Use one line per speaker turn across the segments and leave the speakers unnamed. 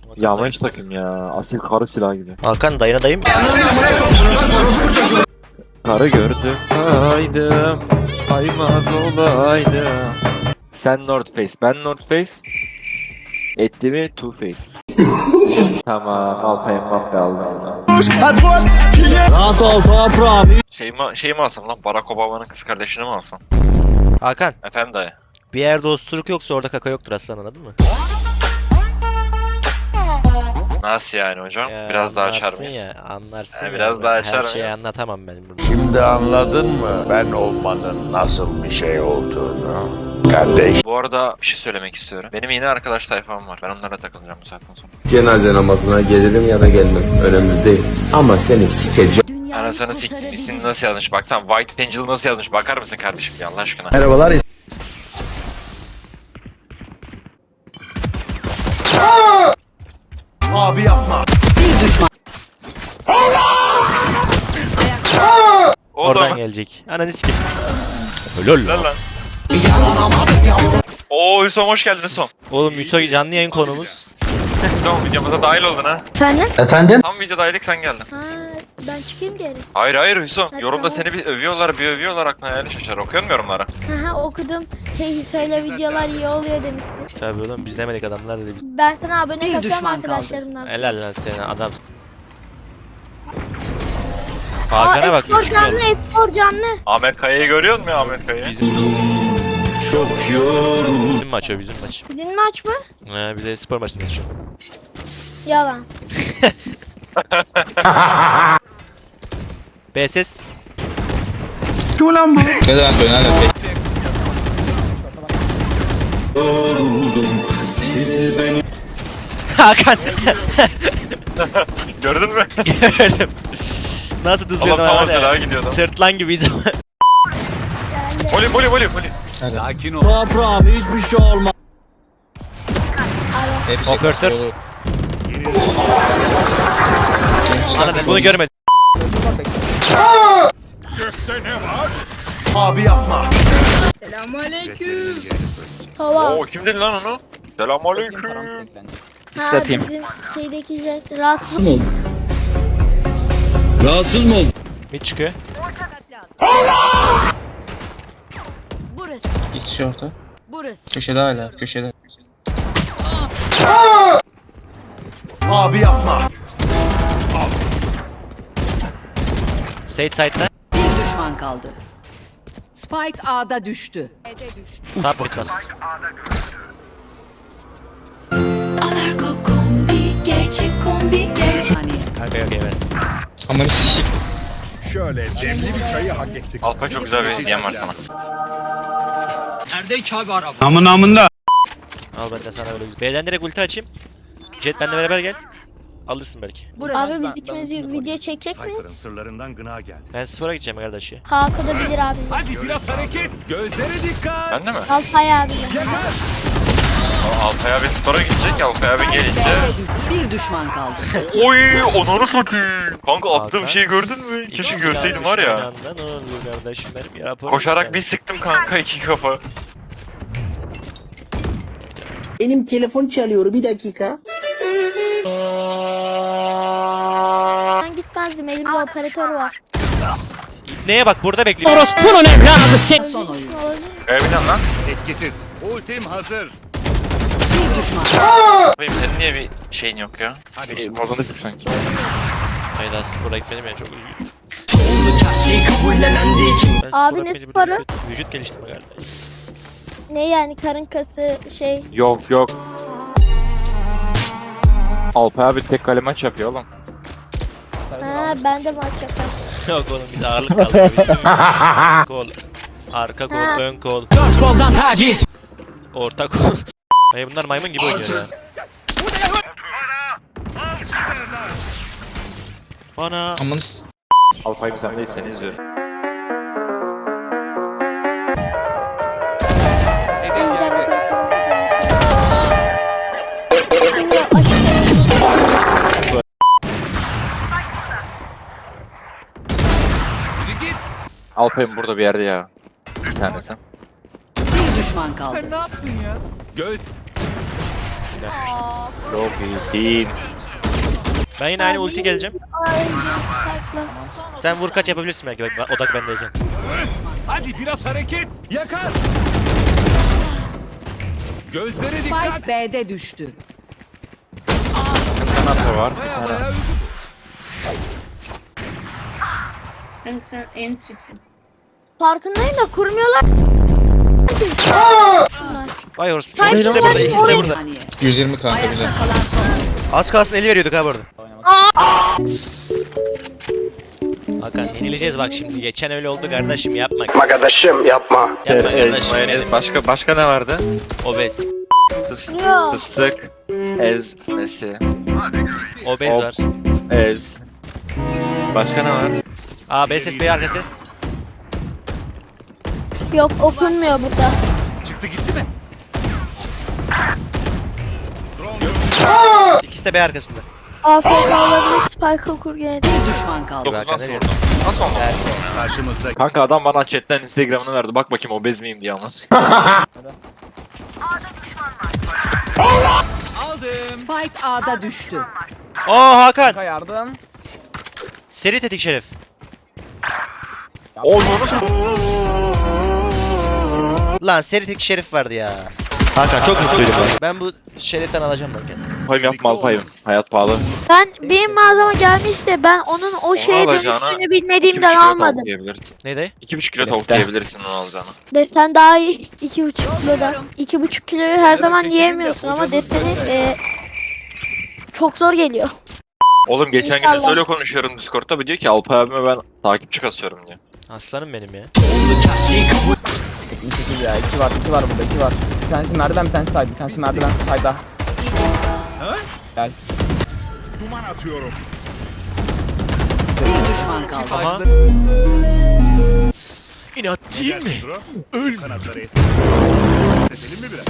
Yağmacı takım ya. Asil karı silah gibi.
Hakan dayına dayım.
Karı gördüm kaydım. Aymaz olaydım. Sen North Face, ben North Face. Etti mi Two Face. Tamam, Alpay Mbappe aldım.
Rahat ol toprağım.
Şey mi alsam lan? Barack Obama'nın kız kardeşini mi alsam?
Hakan
Efendim dayı.
bir yerde osuruk yoksa orada kaka yoktur aslan, anladın mı?
Nasıl yani hocam?
Ya,
Biraz daha açar
anlarsın
mıyız?
ya, anlarsın ya.
biraz daha açar
Her şeyi
mıyız?
anlatamam ben burada.
Şimdi anladın mı ben olmanın nasıl bir şey olduğunu? Kardeş.
Bu arada bir şey söylemek istiyorum. Benim yeni arkadaş tayfam var. Ben onlarla takılacağım bu saatten sonra.
Cenaze namazına gelirim ya da gelmem. Önemli değil. Ama seni sikeceğim.
Anasını siktim, ismini nasıl yazmış? Baksana White Angel nasıl yazmış? Bakar mısın kardeşim ya Allah aşkına?
Merhabalar. Abi yapma.
O da
Oradan
mı?
gelecek. Ananı sikim. Lol
Lan lan. Oo Hüsam hoş geldin Hüsam.
Oğlum Yusuf canlı yayın konumuz.
Hüsam videomuza dahil oldun ha.
Efendim?
Tam videodaydık sen geldin.
Ha, ben çıkayım geri.
Hayır Hüsam.
Ha,
Yorumda
tamam.
seni bir övüyorlar aklına hayali şaşar. Okuyor musun yorumları?
Haha okudum. Söyle videolar iyi oluyor demişsin.
Tabii oğlum biz demedik, adamlar dedi.
Ben sana abone kasıyorum arkadaşlarımdan.
Helal lan sen adam.
Aa,
Hakan'a bak.
Expor
3
canlı,
oldu.
Expor canlı.
Ahmet Kaya'yı görüyor musun Ahmet Kaya'yı?
Bizim maç o, bizim maç.
Din maç mı?
Bize spor maçındayız şu an.
Yalan.
BSS. Hakan.
Gördün mü?
Gördüm. Nasıl dızlıyordum
Allah tam
var ya.
silahı gidiyordu.
Sırtlan gibiyiz ama.
Geldi.
Voli.
Toprağım hiçbir şey olmaz.
Operatör. Ana ben bunu görmedim.
Abi yapma.
Hava.
Oo kim dedi lan onu? Selamünaleyküm.
Ha bizim şeydeki jet. Rahatsız.
Mid çıkıyor.
Burası.
İki kişi orta.
Burası.
Köşede hala. Köşede.
Abi yapma.
Sage side'da.
Bir düşman kaldı. Spike A'da düştü.
Top bitmez.
Alarko kombi, gerçek kombi, gerçek.
Hani
Kanka yok yemez.
Aman
Şöyle demli bir çayı hak ettik.
Alpay çok güzel bir hediyem var sana.
Al ben de sana öyle güzel. B'den direkt ulti açayım. Jet benimle beraber gel. Alırsın belki.
burası.
Abi biz ikimiz video çekecek miyiz?
Sırlarından gına geldi.
Ben spora gideceğim kardeş ya.
Hakan da bilir abi.
Hadi biraz hareket. Gözlere dikkat.
Ben de mi?
Alpay abi.
Alpay abi spora gidecek. Alpay abi gelince.
Bir düşman kaldı.
Oy onları satayım. Kanka attığım
Hakan.
şeyi gördün mü? Keşke görseydim var ya.
Ne oluyor kardeşim benim ya.
Koşarak bir sıktım kanka iki kafa.
Benim telefon çalıyor, bir dakika.
Ben gitmezdim, elimde operatör var.
Neye bak burada bekliyor.
Son oyun.
Evlen lan.
Etkisiz. Ultim hazır.
Bir düşman.
Benim senin niye bir şeyin yok ya? Bir modunu gibi sanki.
Hayda spora gitmedim ya, çok üzgünüm. Ben
Abi
spora
ne
gitmeyince
sporu?
kötü vücut geliştirme kardeş.
Ne yani karın kası şey.
Yok. Alpay abi tek kale maç yapıyor oğlum.
Ha ben de maç yaparım.
Yok oğlum biz ağırlık kaldırmışız. Kol. Arka kol,
Ha.
ön kol. 4 koldan taciz. Orta kol. Ay bunlar maymun gibi oynuyor ya. Bana.
Aman
Alpay sen değil seni izliyorum.
Ejder operatörü.
Alpay'ım burada bir yerde ya. Bir tanesi.
Bir düşman kaldı.
Göz
ya.
Lobby team.
Ben yine aynı ulti geleceğim.
Ay, Spike'la.
Sen vur kaç yapabilirsin belki. Bak, odak bendeyken.
Hadi biraz hareket. Yakar. Gözlere dikkat.
Spike B'de düştü.
Kanatı var. Bir
Baya
tane.
baya
Sen en sıksın. Farkındayım da kurmuyorlar.
Vay horse.
Sen
İkisi de burada, ikisi de burada.
Saniye.
120 kanka güzel.
Ayakta kalan son.
Az kalsın eli veriyorduk ha bu arada. Hakan yenileceğiz bak şimdi. Geçen öyle oldu kardeşim yapma.
Arkadaşım yapma.
Yapma kardeşim
Mayonez.
benim.
Başka ne vardı?
Obez.
Yok.
Fıstık. Ezmesi.
Obez
Ob-
var.
Ez. Başka ne var?
A, B ses, B arka ses.
Yok okunmuyor burada.
çıktı gitti mi?
İkisi de B arkasında.
AFK olabilir. Spike'ı kur gene de.
Bir düşman kaldı.
Yok
Hakan,
nasıl
nereye?
vurdun? Nasıl oldu?
Karşımızda.
Kanka adam bana chatten Instagram'ını verdi. Bak bakayım obez miyim diye anlat.
Aldım.
Spike A'da düştü.
Oo Hakan.
Yardım.
Seri tetik şerif. Lan seri tetik şerif vardı ya. Hakan çok mutluydum ben bu şeriften alacağım ben kendimi.
Alpayım yapma Alpayım. Hayat pahalı.
Benim mağazama gelmiş de ben onun o şeye
alacağına
dönüştüğünü bilmediğimden
2,5 kilo
almadım.
tavuk yiyebilirsin.
Neydi?
2,5 kilo tavuk yiyebilirsin onu alacağına.
Desen daha iyi. 2,5 kiloda. 2,5 kiloyu her zaman
çekilin de
yiyemiyorsun ama
hocanız
deseni
böyle.
çok zor geliyor.
Oğlum geçen gün
İnşallah.
söyle konuşuyorum Discord'da bir diyor ki Alpay abime ben takipçi kasıyorum diyor.
Aslanım benim ya.
28 ya. 2 var burada 2 var. Bir tanesi merdiven bir tanesi side. Bir tanesi merdiven side'da. Gel.
Duman atıyorum.
Bir düşman kaldı.
Aha. İnat değil mi?
Öl. Kanatları esnetelim mi biraz?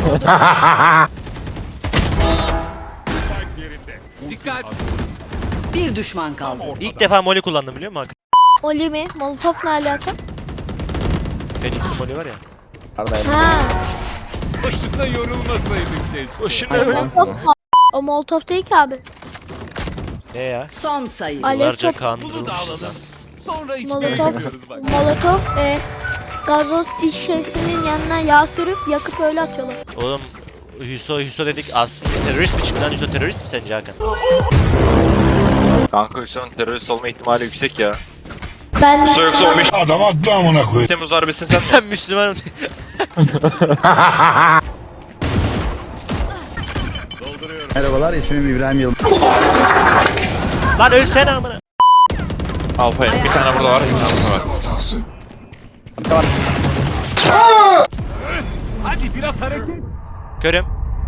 Spike yerinde. Dikkat.
Bir düşman kaldı.
İlk defa Molly kullandım biliyor musun Hakan?
Oli mi? Molotov ne alaka?
Phoenix'in Molly var ya.
Ha.
Boşuna yorulmasaydık keşke.
Boşuna
Molotov. O Molotov değil ki abi.
Ne ya?
Son sayı.
Alev
Yıllarca
top.
Bunu da
kandırılmışız lan.
alalım. Sonra içmeye
Molotov.
gidiyoruz bak.
Molotov gazoz şişesinin yanına yağ sürüp yakıp öyle atıyorlar.
Oğlum Hüso dedik aslında terörist mi çıktı lan Hüso terörist mi sence Hakan?
Kanka Hüsnü'nün terörist olma ihtimali yüksek ya.
Ben
Hüsnü yoksa 15
Adam attı amına koy.
Temmuz darbesini sen mi?
Ben Müslümanım.
Merhabalar, ismim İbrahim Yılmaz.
Lan ölsene amına.
Alpayım bir tane burada var bir tane burada var.
Hadi biraz hareket.
Körüm.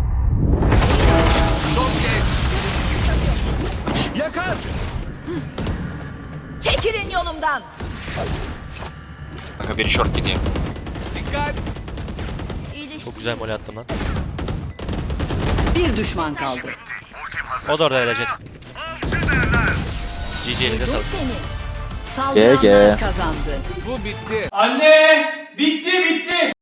Yakar.
Çekilin yolumdan.
Kanka biri short gidiyor.
Dikkat.
Çok güzel Molly attım lan.
Bir düşman kaldı.
O da orada ölecek. GG elinde sağlık.
Saldıranlar kazandı.
Bu bitti.
Anne! Bitti bitti.